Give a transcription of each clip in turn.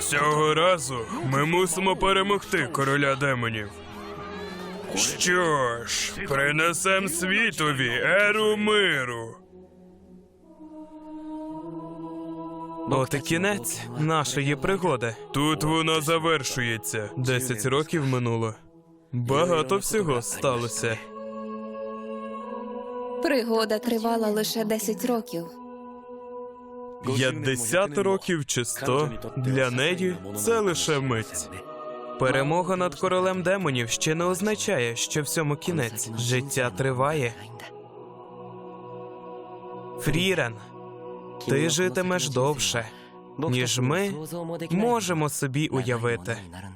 Цього разу ми мусимо перемогти короля демонів. Що ж, принесем світові еру миру. От і кінець нашої пригоди. Тут вона завершується. 10 років минуло. Багато всього сталося. Пригода тривала лише 10 років. 50 років чи 100 для неї це лише мить. Перемога над королем демонів ще не означає, що всьому кінець. Життя триває. Фрірен, ти житимеш довше, ніж ми можемо собі уявити.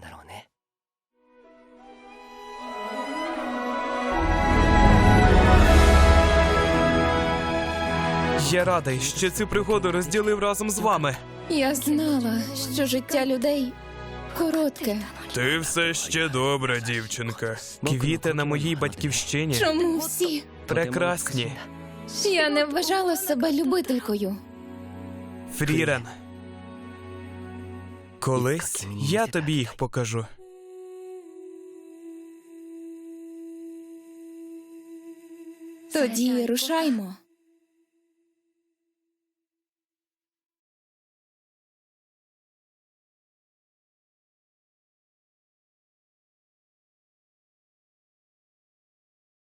Я радий, що цю пригоду розділив разом з вами. Я знала, що життя людей коротке. Ти все ще добра, дівчинка. Квіти на моїй батьківщині Чому всі? прекрасні. Я не вважала себе любителькою. Фрірен, колись я тобі їх покажу. Тоді рушаймо.